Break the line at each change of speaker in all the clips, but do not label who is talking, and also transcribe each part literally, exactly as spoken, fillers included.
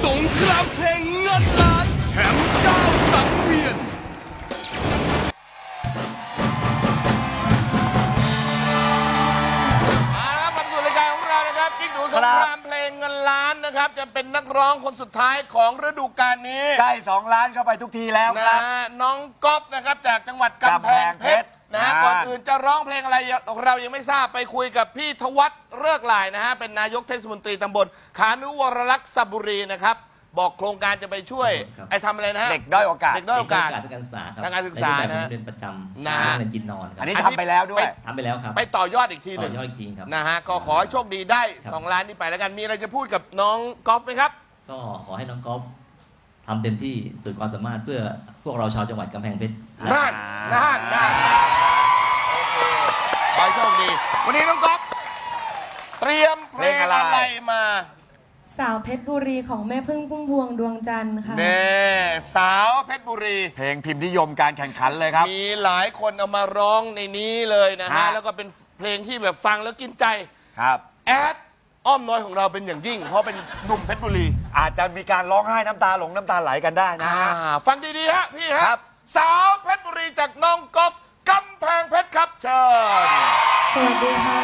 สงครามเพลงเงินล้านแชมป์เจ้าสังเวียน
มาแล้วครับสู่รายการของเรานะครับกิ๊กดูสงครามเพลงเงินล้านนะครับจะเป็นนักร้องคนสุดท้ายของฤดูกาลนี้
ใกล้สองล้านเข้าไปทุกทีแล้วครับ
น้องก๊อฟนะครับจากจังหวัดกำแพงเพชรนะฮะก่อนอื่นจะร้องเพลงอะไรเรายังไม่ทราบไปคุยกับพี่ทวัฒน์เลิกหลายนะฮะเป็นนายกเทศมนตรีตำบลขานุวรลักษณ์สระบุรีนะครับบอกโครงการจะไปช่วยไอ้ทำอะไรนะฮะ
เด็กด้อยโอกาส
เด็กด้อยโอกาส
ทางการศึกษาครับ
ทางการศึกษานะ
เรียนประจำ
นะ
เรียนกินนอนครับ
อันนี้ทำไปแล้วด้วย
ทำไปแล้วครับ
ไปต่อยอดอีกทีหนึ่ง
ต่อยอดอีกทีครับ
นะฮะก็ขอให้โชคดีได้สองล้านนี้ไปแล้วกันมีอะไรจะพูดกับน้องก๊อฟไหมครับ
ก็ขอให้น้องก๊อฟทำเต็มที่สุดความสามารถเพื่อพวกเราชาวจังหวัดกำแพงเพชร
น่านน่านน่านขอให้โชคดีวันนี้น้องก๊อฟเตรียมเพลงอะไรมา
สาวเพชรบุรีของแม่พึ่งพุ่มพวงดวงจันทร์ค่ะ
เน่สาวเพชรบุรี
เพลงพิมพ์นิยมการแข่งขันเลยครับ
มีหลายคนเอามาร้องในนี้เลยนะฮะแล้วก็เป็นเพลงที่แบบฟังแล้วกินใจ
ครับ
แอดอ้อมน้อยของเราเป็นอย่างยิ่งเพราะเป็นหนุ่มเพชรบุรี
อาจจะมีการร้องไห้น้ำตาหลงน้ำตาไหลกันได้นะฮะ
ฟังดีๆฮะพี่ฮะสาวเพชรบุรีจากน้องก๊อฟกำแพงเพชรครับเชิญ
สวัสดีค่ะ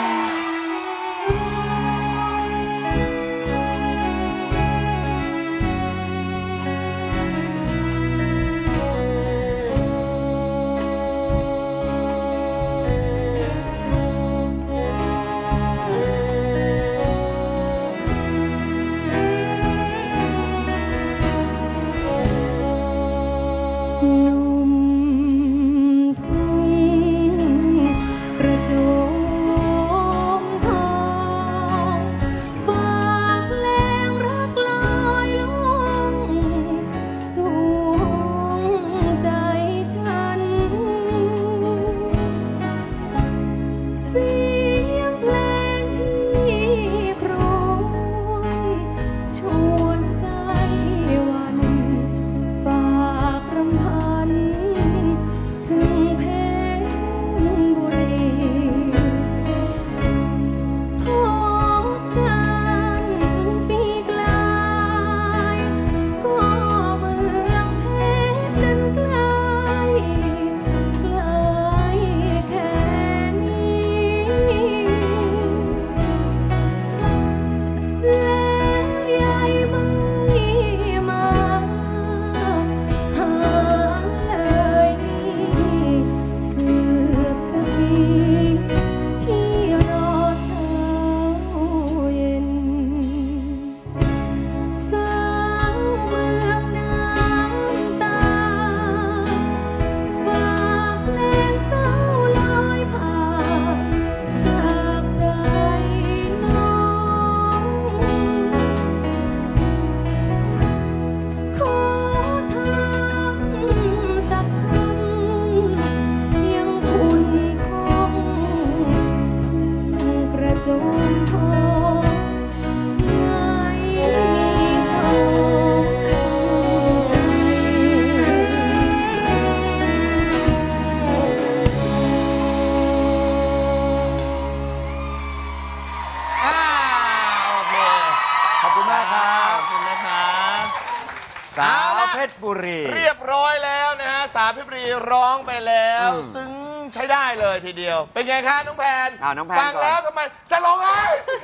สาวเพชรบุรี
เรียบร้อยแล้วนะฮะสาวเพชรบุรีร้องไปแล้วซึ้งใช้ได้เลยทีเดียวเป็นไงคะน้องแพนฟังแล้วทำไมจะร้องไห้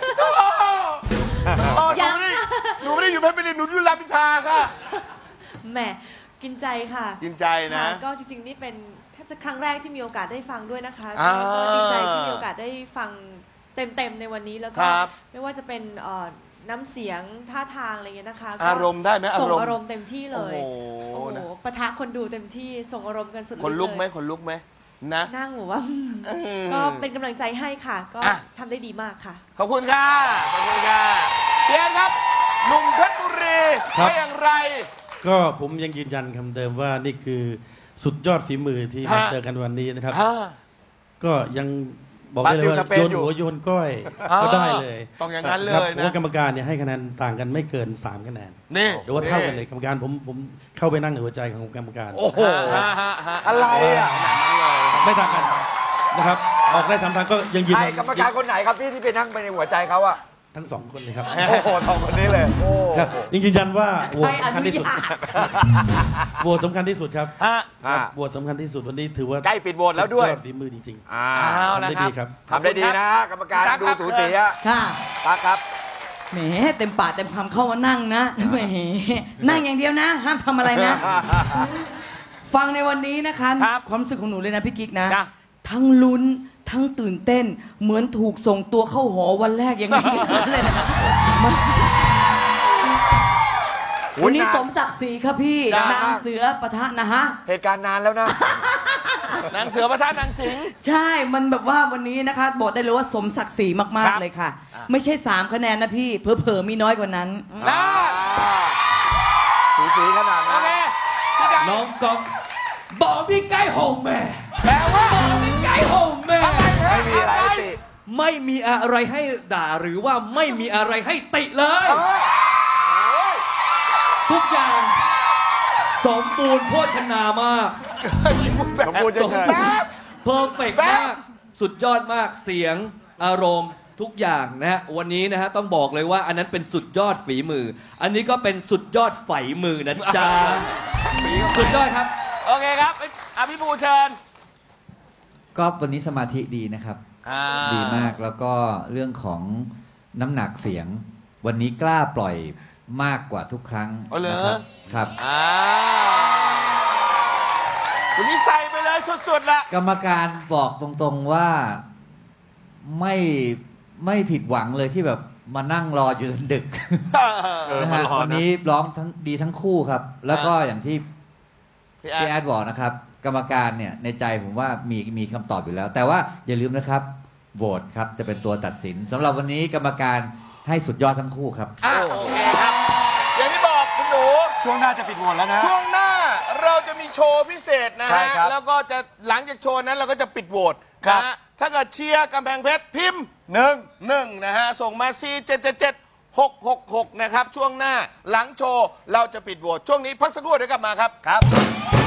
ยังหนูไม่ได้อยู่เพชรบุรีหนูอยู่รามอินทราค่ะ
แหมกินใจค่ะ
กินใจนะ
ก็จริงๆนี่เป็นแทบจะครั้งแรกที่มีโอกาสได้ฟังด้วยนะคะก็ดีใจที่มีโอกาสได้ฟังเต็มๆในวันนี้แล้วก็ไม่ว่าจะเป็นน้ำเสียงท่าทางอะไรเงี้ยนะคะ
อารมณ์ได้ไหม
ส่งอารมณ์เต็มที่เลยโอ้โหปะทะคนดูเต็มที่ส่งอารมณ์กันสุดเลย
คนลุกไหมคนลุกไหมนะ
นั่งหัวว่าก็เป็นกำลังใจให้ค่ะก็ทำได้ดีมากค่ะ
ขอบคุณค่ะขอบคุณค่ะเพียรครับหนุ่มเพชรบุรีว่าอย่างไร
ก็ผมยังยืนยันคำเดิมว่านี่คือสุดยอดฝีมือที่มาเจอกันวันนี้นะครับก็ยังบอกได้เลยว่าโยนหัวโยนก้อยก็ได้เลย
ต้องอย่างนั้นเลยนะ
กรรมการเนี่ยให้คะแนนต่างกันไม่เกินสามคะแนนนี่หรือว่าเท่ากันเลยกรรมการผมผมเข้าไปนั่งในหัวใจของกรรมการ
โอ้โหอะไรอ่ะ
ไม่ต่างกันนะครับออกได้สามทางก็ยังยืน
กรรมการคนไหนครับพี่ที่ไปนั่งไปในหัวใจเขาอะ
ทั้งสองคนเลยครับ
โอ้โหสองคนนี้เลยโอ้
ครับยังยืนยันว่าโหวต
ให้อ
สำคัญ
นุ
ที่สุด
ญาต
โหวตสำคัญที่สุดครับ
ฮะ
ครับโหวตสำคัญที่สุดวันนี้ถือว่า
ใกล้ปิดโหวตแล้วด้วย
สุอฝีมือจริง
อ่า
เอา
ๆทำ
ละ
ได้
ครั
ดี
บ
ครับ
ทำได้ดีนะกรรมการ
ตั๊ก
ดู
ครับ
สูสีอะ
ค่ะ
ตั๊กครับ
แหมเต็มปากเต็มคำเข้ามานั่งนะแหมนั่งอย่างเดียวนะ ห้ามทำอะไรนะ ฟังในวันนี้นะคะ
ครับ
ความรู้สึกของหนูเลยนะพี่กิ๊กนะ
จ้ะ
ทั้งลุ้นทั้งตื่นเต้น เหมือนถูกส่งตัวเข้าหอวันแรกอย่างนี้เลยนะมันวันนี้สมศักดิ์ศรีครับพี่
จ้ะ
นางเสือปะทะนะฮะ
เหตุการณ์นานแล้วนะ
นางเสือประทานนางสิงห์
ใช่ มันแบบว่าวันนี้นะคะบอกได้เลยว่าสมศักดิ์ศรีมาก
ครับ
ๆเลยค่ะ
อ่ะ
ไม่ใช่สามคะแนนนะพี่เผลอๆมีน้อยกว่านั้น
นะ
สูสีขนาด
โอ
นั้น
เคพี่ไก่
น้องก๊อฟบอกพี่ไก่โฮมแม่
แปลว่า
บอกพี่ไก่โฮมแม่
ไม่มีอะไรให้ติ
ไม่มีอะไรให้ด่าหรือว่าไม่มีอะไรให้ติเลย ทุกอย่างสมบูรณ์โภชนามาก
สมบูรณ์เฉย
เพอร์เฟกมาก สุดยอดมากเสียงอารมณ์ทุกอย่างนะฮะวันนี้นะฮะต้องบอกเลยว่าอันนั้นเป็นสุดยอดฝีมือ อันนี้ก็เป็นสุดยอดไฝมือนะจ๊ะสุดยอดครับ
โอเคครับอภิภูเชิญ
ก็วันนี้สมาธิดีนะครับ
อ่า
ดีมากแล้วก็เรื่องของน้ำหนักเสียง วันนี้กล้าปล่อยมากกว่าทุกครั้ง
อ๋อเหรอ
นะครับครับ
อ่าวันนี้ใส่ไปเลยสุดๆละ
กรรมการบอกตรงๆว่าไม่ไม่ผิดหวังเลยที่แบบมานั่งรออยู่จนดึก
เออ
นะ
มา
ฮะ
รอ
วัน
นะ
นี้ร้องทั้งดีทั้งคู่ครับ แล้วก็อย่างที่
พี่แอ
พี่
ด
แอดบอกนะครับ กรรมการเนี่ยในใจผมว่ามีมีคำตอบอยู่แล้ว แต่ว่าอย่าลืมนะครับโหวตครับจะเป็นตัวตัดสินสำหรับวันนี้กรรมการให้สุดยอดทั้งคู่ครับ
อ่ะโอเคครับ อย่างที่บอกคุณหนู
ช่วงหน้าจะปิดโหวตแล้วนะ
ช่วงหน้าเราจะมีโชว์พิเศษนะ
ใช่
ฮะ
ครับ
แล้วก็จะหลังจากโชว์นั้นเราก็จะปิดโหวต
ครับ
นะฮะถ้าเกิดเชียร์กำแพงเพชรพิมพ์
หนึ่ง
หนึ่งนะฮะ ส่งมา สี่ เจ็ด เจ็ด เจ็ด หก หก หก นะครับ ช่วงหน้าหลังโชว์เราจะปิดโหวตช่วงนี้พักสักครู่เดี๋ยวกลับมาครับ
ครับ